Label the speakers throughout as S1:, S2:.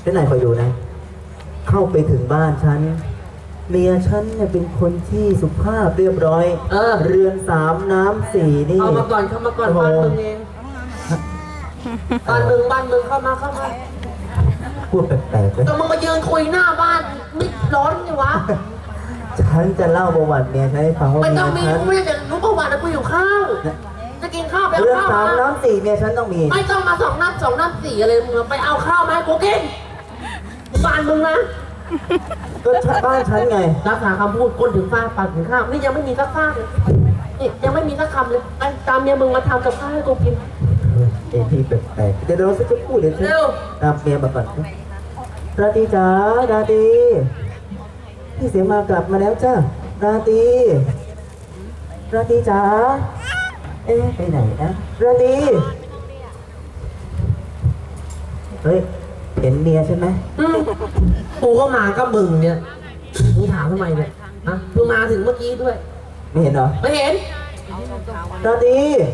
S1: ที่ไหนคอยอยู่นะเข้าไปถึงบ้านฉันเมียฉันเนี่ยเป็นคนที่สุภาพเรียบร้อยเรือนสามน้ำสี่นี่
S2: เอามาก่อนเข้ามาก่อนบ้านมึงเองบ้านมึงเข้ามา
S1: พูดแปลกๆเลย
S2: แต่มึงมายืนคุยหน้าบ้านมิดร้อนไงวะ
S1: ฉันจะเล่าประวัติเมียฉันให้ฟังว่า
S2: ไม่
S1: เมีย
S2: ต้องมี
S1: ฉัน
S2: ไม่จะรู้ประวัตินะกูอยู่ข้าวจะกินข้าวไปเอา
S1: เรือน
S2: ข้าว
S1: สามน้ำสี่เมียฉันต้องมี
S2: ไม่ต้องมาสองน้ำสี่อะไรมึงไปเอาข้าวมาให้กูกินบ้านมึงนะ
S1: ก็บ้านฉันไง
S2: รักษาคำพูดคนถึงฟ้าปากถึงข้าวนี่ยังไม่มีสักฟากเลยนี่ยังไม่มีสักคำเลยไปตามเมียมึงมาทำกับข้าวให้กูกิน
S1: เอ็นที่แปลกๆเดี๋ยวเราจะพูดเดี๋ยวฉันตามเมียมาก่อนราตรีจ๋าราตรีพี่เสียมากลับมาแล้วจ้าราตรีจ๋าไปไหนนะราตรีเฮ้ยเห็นเมียใช่ไหม
S2: กูก็มาก็มึงเนี่ยมึงถามทำไมเนี่ยฮะมึงมาถึงเมื่อกี้ด้วย
S1: ไม่เห็นเหรอ
S2: ไม่เห็น
S1: ราตรี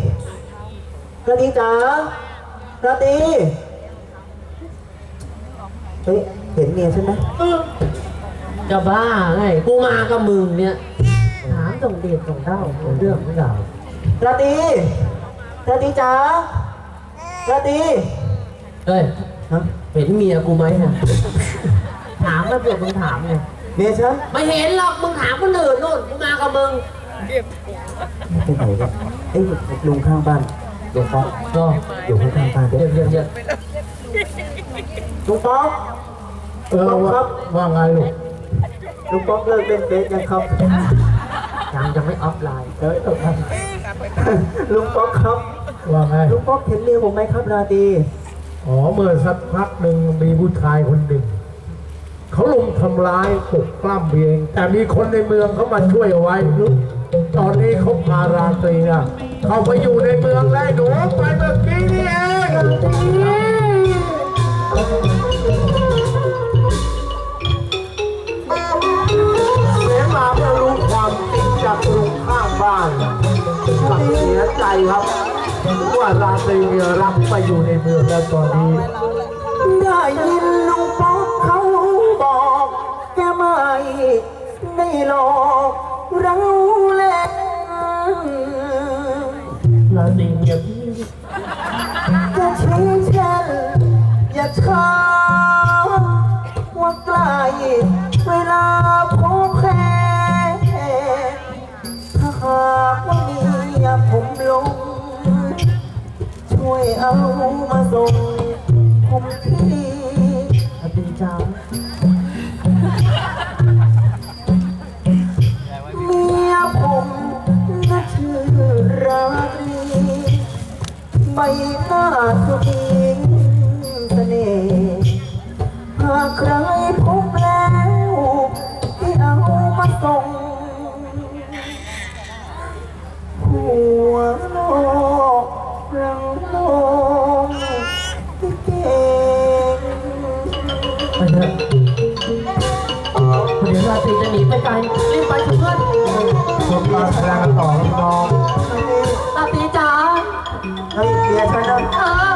S1: จ๋าราตรีเฮ้ยเห็นเมียใช่ไหม
S2: จะบ้าไงกูมากับมึงเนี่ยถามส่งเดชส่งเด้าเรื่องไม่เหล่า
S1: ราตรีจ๋าราตรี
S2: เฮ้ยเห็นเมียกูไหมเนี่ยถามแล้วเผื่อมึงถามไง
S1: เมียฉัน
S2: ไม่เห็นหรอกมึงถามคนอื่นนู่นกูมากับมึง
S1: ไปไหนกันลุงข้างบ้านลุงป๊อก
S2: ก็
S1: อยู่ข้างบ้าน
S2: เดี๋ยว
S1: ลุงป๊อกครับ
S3: ว่าไงลูก
S1: ลุงป๊อกเลิกเล่นเฟซยังครับ
S2: ยังไม่ออฟไลน์
S1: ครับลุงป๊อกครับ
S3: ว่าไง
S1: ลุงป๊อกเห็นเมียผมไหมครับราตรี
S3: เมื่อสักพักหนึ่งมีผู้ชายคนหนึ่งเขาลงทำร้ายปลุกปล้ำเองแต่มีคนในเมืองเขามาช่วยเอาไว้ตอนนี้เขาพาราตรีน่ะเขาไปอยู่ในเมืองแล้วหนูไปเมื่อกี้นี่เองเสียมาเมื่อรู้ความจริงจากลุงข้างบ้านสังเสียใจครับว่าราตรีรักไปอยู่ในเมืองแล้วตอนนี้
S1: ได้ยินลุงป๊อกเขาบอกแกไม่ได้หลอกเราเล่น
S2: ราตรีเมียพี่
S1: จะชี้เช่นอย่าช้าว่าใกล้เวลาพบแค่ถ้าหากว่ามีผมลงช่วยเอามาส่งผมที่
S2: ราตรีจ้า
S1: เมียผมน่าชื่อราตรีใบหน้าทุกทีเสน่ห์หากใครพบแล้วที่เอามาส่งหัวโลกเราลงที่เก่ง
S2: ไปเถอะเดี๋ยวราตรีจะหนีไปไกลรีบไปเถอะเพื่อน
S3: ชมการแสดงกันต่อน้อง
S2: ราตรีจ๋า
S1: เฮ้ยเมียฉันนะ